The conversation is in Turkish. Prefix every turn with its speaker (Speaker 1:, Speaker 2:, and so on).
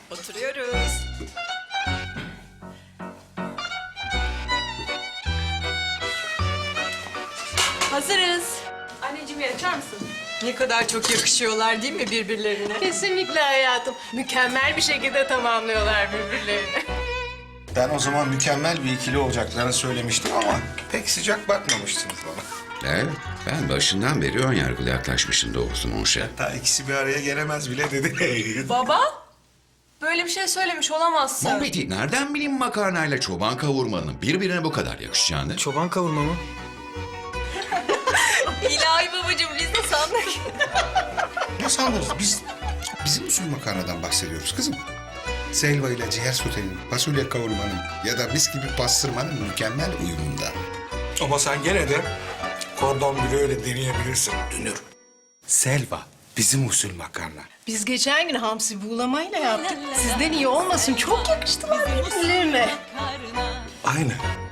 Speaker 1: Oturuyoruz.
Speaker 2: Hazırız. Anneciğim bir açar mısın?
Speaker 1: Ne kadar çok yakışıyorlar değil mi birbirlerine?
Speaker 2: Kesinlikle hayatım. Mükemmel bir şekilde tamamlıyorlar birbirlerini.
Speaker 3: Ben o zaman mükemmel bir ikili olacaklarını söylemiştim ama pek sıcak bakmamıştınız bana.
Speaker 4: Evet, ben başından beri ön yargılı yaklaşmışım doğrusu Monşer.
Speaker 3: Hatta ikisi bir araya gelemez bile dedi.
Speaker 2: Baba, böyle bir şey söylemiş olamazsın.
Speaker 4: Muhammed'i nereden bileyim makarnayla çoban kavurmanın birbirine bu kadar yakışacağını?
Speaker 5: Çoban kavurma mı?
Speaker 2: İlahi babacığım biz de sandık.
Speaker 3: Ne sandınız? Bizim usul makarnadan bahsediyoruz kızım. Selva ile ciğer sotenin, fasulye kavurmanın ya da mis gibi pastırmanın mükemmel uyumunda. Ama sen gene de kordon bile öyle deneyebilirsin Dünür. Selva bizim usul makarna.
Speaker 2: Biz geçen gün hamsi buğulamayla yaptık. Sizden iyi olmasın. Çok yakıştılar birbirlerine.
Speaker 3: Aynen.